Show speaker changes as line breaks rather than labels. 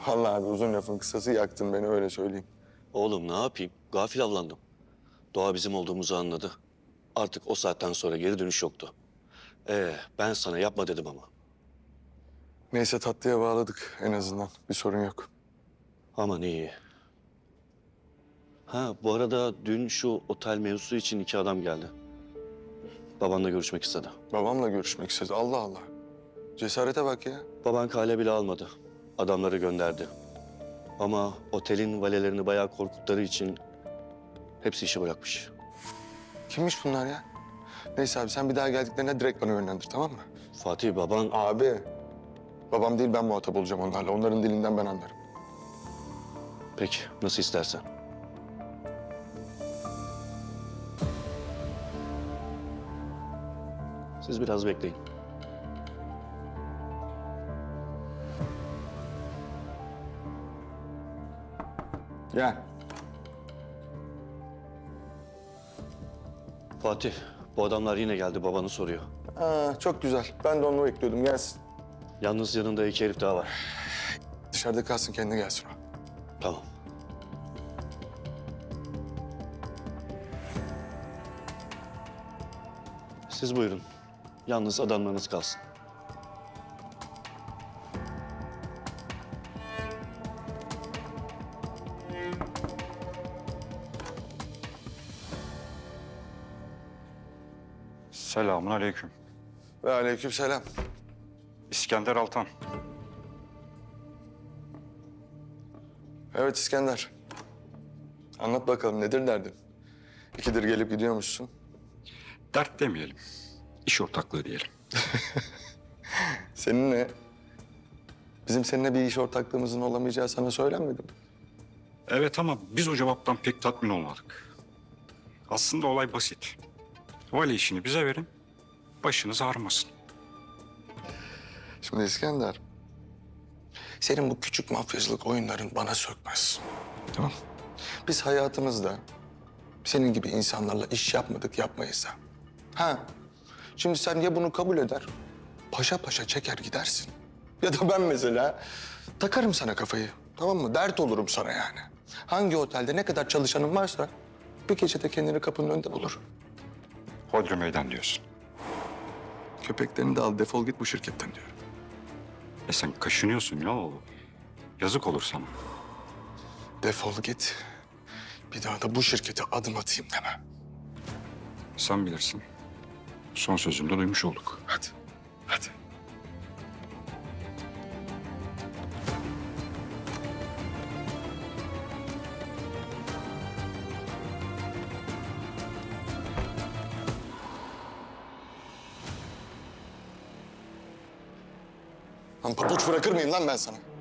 Vallahi abi uzun lafın kısası yaktın beni öyle söyleyeyim.
Oğlum ne yapayım? Gafil avlandım. Doğa bizim olduğumuzu anladı. Artık o saatten sonra geri dönüş yoktu. Ben sana yapma dedim ama.
Neyse tatlıya bağladık en azından. Bir sorun yok.
Aman iyi. Ha bu arada dün şu otel mevzusu için iki adam geldi. Babanla görüşmek istedi.
Babamla görüşmek istedi. Allah Allah. Cesarete bak ya.
Baban kale bile almadı. Adamları gönderdi. Ama otelin valelerini bayağı korkuttukları için hepsi işi bırakmış.
Kimmiş bunlar ya? Neyse abi sen bir daha geldiklerinde direkt bana yönlendir tamam mı?
Fatih baban
Abi. Babam değil ben muhatap olacağım onlarla. Onların dilinden ben anlarım.
peki nasıl istersen. Siz biraz bekleyin.
Gel.
Fatih bu adamlar yine geldi babanı soruyor.
Çok güzel. Ben de onu bekliyordum. Gelsin.
Yalnız yanında iki herif daha var.
Dışarıda kalsın kendi gelsin o.
Tamam. Siz buyurun. Yalnız adamlarınız kalsın.
Selamun aleyküm.
Ve aleykümselam.
İskender Altan.
Evet İskender. Anlat bakalım nedir derdin? İkidir gelip gidiyormuşsun.
Dert demeyelim. İş ortaklığı diyelim.
Seninle, bizim seninle bir iş ortaklığımızın olamayacağı sana söylenmedi mi?
Evet ama biz o cevaptan pek tatmin olmadık. Aslında olay basit. Vali işini bize verin, başınız ağrımasın.
Şimdi İskender, senin bu küçük mafyacılık oyunların bana sökmez. Tamam. Biz hayatımızda senin gibi insanlarla iş yapmadık, yapmayız da. Şimdi sen ya bunu kabul eder, paşa paşa çeker gidersin. Ya da ben mesela takarım sana kafayı, tamam mı? Dert olurum sana yani. Hangi otelde ne kadar çalışanın varsa bir gecede kendini kapının önünde bulur.
Hodri meydan diyorsun.
Köpeklerini de al, defol git bu şirketten diyorum.
Sen kaşınıyorsun ya oğlum. Yazık olur sana.
Defol git. Bir daha da bu şirkete adım atayım deme.
Sen bilirsin. Son sözümü de duymuş olduk.
Hadi, hadi. Lan pabuç bırakır mıyım lan ben sana?